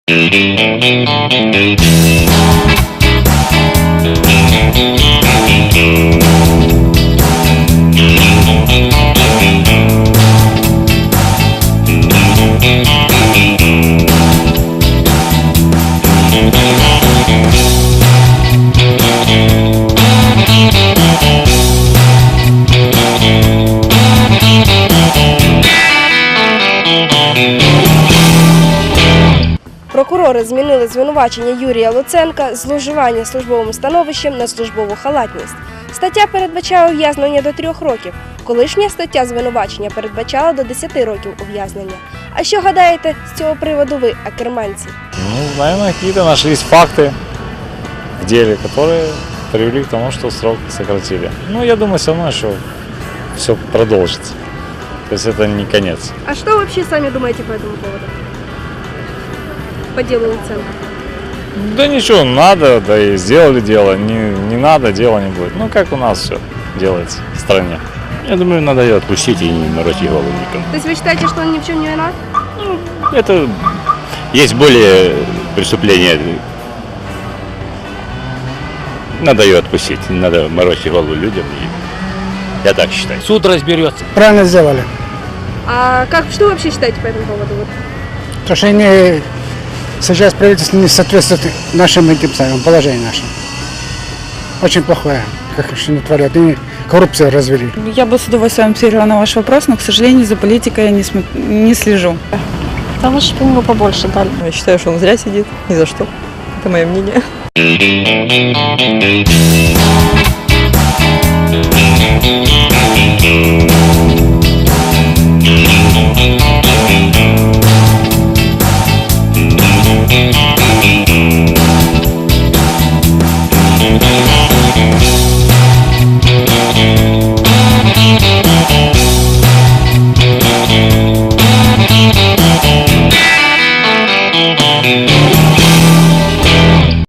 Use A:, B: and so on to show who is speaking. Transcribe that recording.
A: Прокурори змінили звинувачення Юрія Луценка з зловживання службовим становищем на службову халатність. Стаття передбачає ув'язнення до 3 років. Колишня стаття звинувачення передбачала до 10 років ув'язнення. А що гадаєте з цього приводу ви, акерманці?
B: Ну, наверное, какие-то нашлись факты в деле, которые привели к тому, что срок сократили. Ну, я думаю, все равно еще все продолжится. То есть это не конец.
A: А что вообще сами думаете по этому поводу? По делу Луценка?
B: Да ничего, надо, да и сделали дело. Не надо, дела не будет. Ну, как у нас все делается в стране.
C: Я думаю, надо ее отпустить и не морочить голову никому.
A: То есть вы считаете, что он ни в чем не виноват?
C: Это есть более преступления. Надо ее отпустить, не надо морочить голову людям. Я так считаю.
D: Суд разберется.
E: Правильно сделали.
A: А что вы вообще считаете по этому поводу?
E: То, что они сейчас правительство не соответствует нашим этим самым положению нашим. Очень плохое, как они творят. И коррупцию развели.
F: Я бы с удовольствием ответила на ваш вопрос, но, к сожалению, за политикой я не слежу.
G: Да лучше бы ему побольше дали.
H: Я считаю, что он зря сидит, ни за что. Это мое мнение.